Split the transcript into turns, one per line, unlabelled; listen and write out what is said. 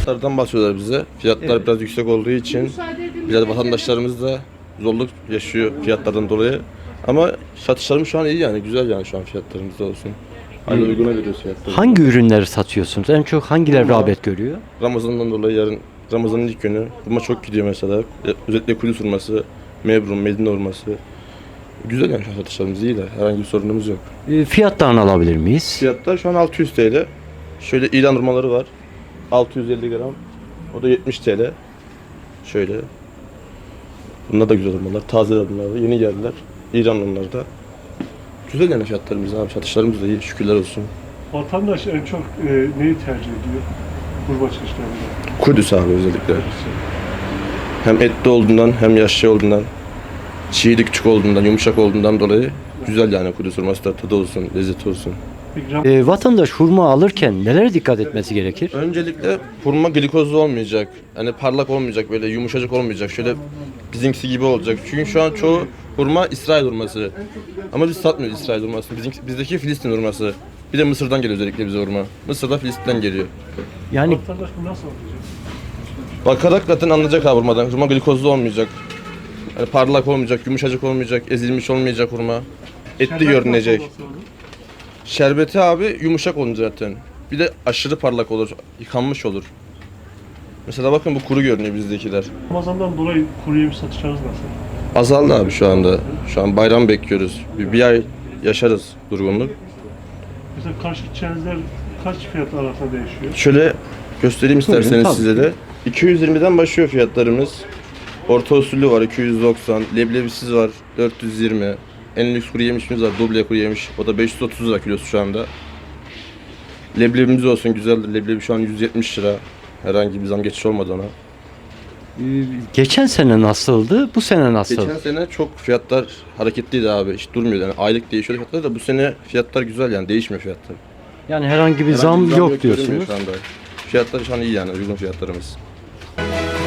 Fiyatlardan bahsediyorlar bize. Fiyatlar biraz yüksek olduğu için biraz vatandaşlarımız da zorluk yaşıyor fiyatlardan dolayı. Ama satışlarımız şu an iyi yani güzel yani şu an fiyatlarımız da olsun. Hala uyguna veriyoruz fiyatları.
Hangi ürünleri satıyorsunuz? En çok hangileri
Hurma.
rağbet görüyor?
Ramazan'dan dolayı yarın Ramazan'ın ilk günü hurma çok gidiyor mesela. Özellikle Kudüs hurması, Mebrun, Medine hurması. Güzel yani şu an satışlarımız iyi de herhangi bir sorunumuz yok.
Fiyatlarını alabilir miyiz?
Fiyatlar şu an 600 TL. Şöyle İran hurmaları var. 650 gram. O da 70 TL. Şöyle. Bunlar da güzel hurmalar. Taze hurmalar. Yeni geldiler. İran onlar da. Güzel yani fiyatlarımız abi. Satışlarımız da iyi. Şükürler olsun.
Vatandaş en çok neyi tercih ediyor? Hurma çeşitlerinde.
Kudüs abi özellikle. Hem etli olduğundan hem yaşlı olduğundan. Çiğli küçük olduğundan, yumuşak olduğundan dolayı güzel yani Kudüs hurması da tadı olsun, lezzeti olsun.
Peki,
Vatandaş hurma alırken nelere dikkat etmesi gerekir?
Öncelikle hurma glikozlu olmayacak. Hani parlak olmayacak, böyle yumuşacık olmayacak. Şöyle bizimkisi gibi olacak. Çünkü şu an çoğu hurma İsrail hurması. Ama biz satmıyoruz İsrail hurmasını. Bizdeki Filistin hurması. Bir de Mısır'dan geliyor özellikle bize hurma. Mısır'da Filistin'den geliyor.
Yani
vatandaş bu nasıl anlayacak?
Bakarak zaten anlayacak abi hurmadan. Hurma glikozlu olmayacak. Yani parlak olmayacak, yumuşacık olmayacak, ezilmiş olmayacak hurma. Etli
Şerbet
görünecek.
nasıl olması lazım?
Şerbeti abi yumuşak olunca zaten. Bir de aşırı parlak olur, yıkanmış olur. Mesela bakın bu kuru görünüyor bizdekiler.
Ramazan'dan dolayı kuru yemiş satışlarınız nasıl?
Azaldı abi şu anda. Şu an bayram bekliyoruz. Bir ay yaşarız durgunluk.
Mesela karşı çerezler kaç fiyat arasında değişiyor?
Şöyle göstereyim isterseniz
tabii.
size de. 220'den başlıyor fiyatlarımız. Orta usullü var 290, leblebisiz var 420. En lüks kuru yemişimiz var, duble kuru yemiş. O da 530 lira kilosu şu anda. Leblebimiz olsun güzeldir. Leblebi şu an 170 lira. Herhangi bir zam geçiş olmadı ona.
geçen sene nasıldı? Bu sene nasıl?
Geçen sene çok fiyatlar hareketliydi abi. Hiç durmuyordu. Yani aylık değişiyor fiyatlar da bu sene fiyatlar güzel yani değişmiyor fiyatlar.
Yani herhangi bir
Herhangi
zam
bir
yok
görünmüyor
diyorsunuz.
şu anda. Fiyatlar şu an iyi yani uygun fiyatlarımız.